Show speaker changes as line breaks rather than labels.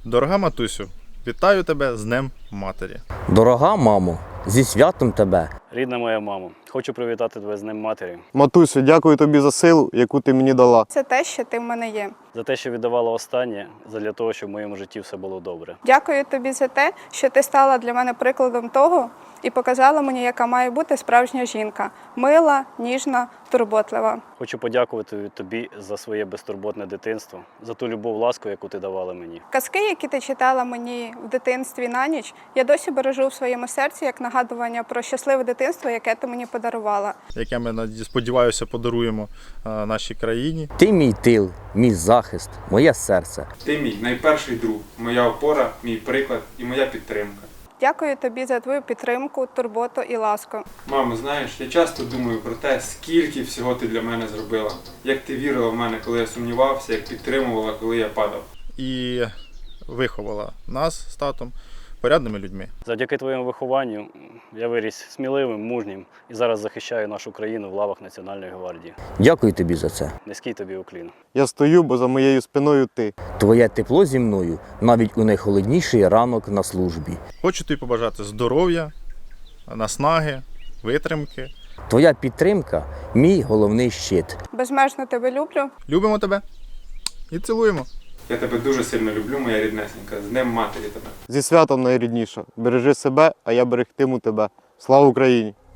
Дорога матусю, вітаю тебе з Днем Матері.
Дорога мамо, зі святом тебе.
Рідна моя мамо, хочу привітати тебе з Днем Матері,
Матусю, дякую тобі за силу, яку ти мені дала.
Це те, що ти в мене є.
за те, що віддавала останнє, задля того, щоб в моєму житті все було добре.
Дякую тобі за те, що ти стала для мене прикладом того і показала мені, яка має бути справжня жінка. Мила, ніжна, турботлива.
Хочу подякувати тобі за своє безтурботне дитинство, за ту любов, ласку, яку ти давала мені.
Казки, які ти читала мені в дитинстві на ніч, я досі бережу в своєму серці як нагадування про щасливе дитинство, яке ти мені подарувала.
Яке ми, сподіваюся, подаруємо нашій країні.
Ти мій тил, мій захист, моє серце.
Ти мій найперший друг, моя опора, мій приклад і моя підтримка.
Дякую тобі за твою підтримку, турботу і ласку.
Мамо, знаєш, я часто думаю про те, скільки всього ти для мене зробила. Як ти вірила в мене, коли я сумнівався, як підтримувала, коли я падав.
І виховала нас з татом порядними людьми.
Завдяки твоєму вихованню я виріс сміливим, мужнім і зараз захищаю нашу країну в лавах Національної гвардії.
Дякую тобі за це.
Низький тобі уклін.
Я стою, бо за моєю спиною ти.
Твоє тепло зі мною навіть у найхолодніший ранок на службі.
Хочу тобі побажати здоров'я, наснаги, витримки.
Твоя підтримка – мій головний щит.
Безмежно тебе люблю.
Любимо тебе і цілуємо.
Я тебе дуже сильно люблю, моя ріднесенька. З Днем Матері тебе.
Зі святом найрідніша. Бережи себе, а я берегтиму тебе. Слава Україні!